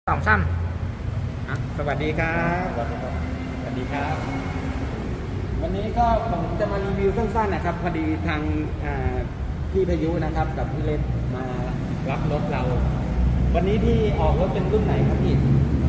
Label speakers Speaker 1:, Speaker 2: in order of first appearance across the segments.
Speaker 1: สวัสดีครับสวัสดีครับ วันนี้ก็ผมจะมารีวิวสั้นๆนะครับพอดีทางพี่พายุนะครับกับพี่เล็กมารับรถเรา วันนี้พี่ออกรถเป็นรุ่นไหนครับพี่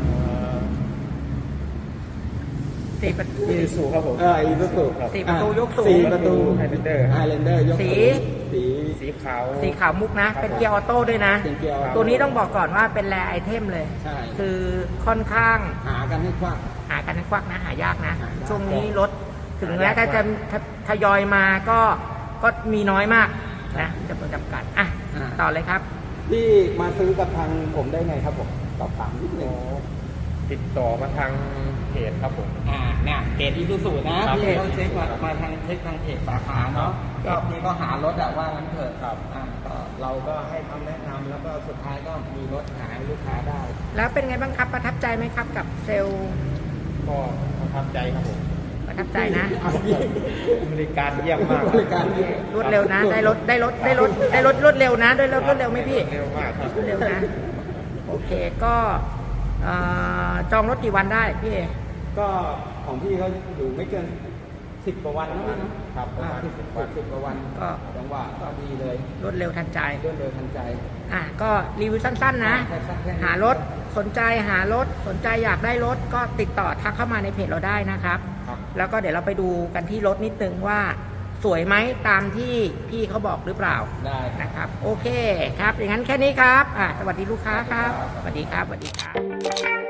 Speaker 2: อีซูซูครับผม
Speaker 1: อีซูซู
Speaker 2: 4 ประตูยกสูง
Speaker 1: 4 ประตู
Speaker 2: ไฮแลนเดอร์
Speaker 1: ยกสูง
Speaker 2: สีขาวมุกนะเป็นเกียร์ออโต้ด้วยนะตัวนี้ต้องบอกก่อนว่าเป็นแรไอเทมเลยคือค่อนข้าง
Speaker 1: หากันให้ควั
Speaker 2: กนะหายากนะช่วงนี้รถถึงแม้ถ้าจะทยอยมาก็มีน้อยมากนะจำกัดต่อเลยครับ
Speaker 1: พี่มาซื้อกับทางผมได้ไงครับผมสอบถามนิดนึง
Speaker 3: ติดต่อมาทางเพจครับผม
Speaker 1: เนี่ยเพจอีซูซูนะพี่ต้องเช็คมาทางเพจสาขาเนาะก็พี่ก็หารถว่างั้นเถอะครับก็เราก็ให้คำแนะนำแล้วก็สุดท้ายก็มีรถหาให้ลูกค้าได้
Speaker 2: แล้วเป็นไงบ้างครับประทับใจไหมครับกับเซลล์
Speaker 3: ก็ประทับใจครับผม
Speaker 2: ประทับใจนะ
Speaker 3: บริการเยี่ยมมาก
Speaker 2: รวดเร็วนะได้รถรวดเร็วนะได้รถเร็วไหมพี่
Speaker 3: เร็วมากครับ
Speaker 2: เร็วนะโอเคก็จองรถกี่วันได้พี่
Speaker 1: ก็ของพี่เขาอยู่ไม่เกิน10 กว่าวันนะครับประมาณ10 กว่าวันก็จังหวะก็ดีเลย
Speaker 2: รวดเร็วทันใจก็รีวิวสั้นๆนะหารถสนใจอยากได้รถก็ติดต่อทักเข้ามาในเพจเราได้นะครับแล้วก็เดี๋ยวเราไปดูกันที่รถนิดนึงว่าสวยไหมตามที่พี่เขาบอกหรือเปล่า
Speaker 1: ได้
Speaker 2: นะครับโอเคครับอย่างนั้นแค่นี้ครับสวัสดีลูกค้าครับสวัสดีครับ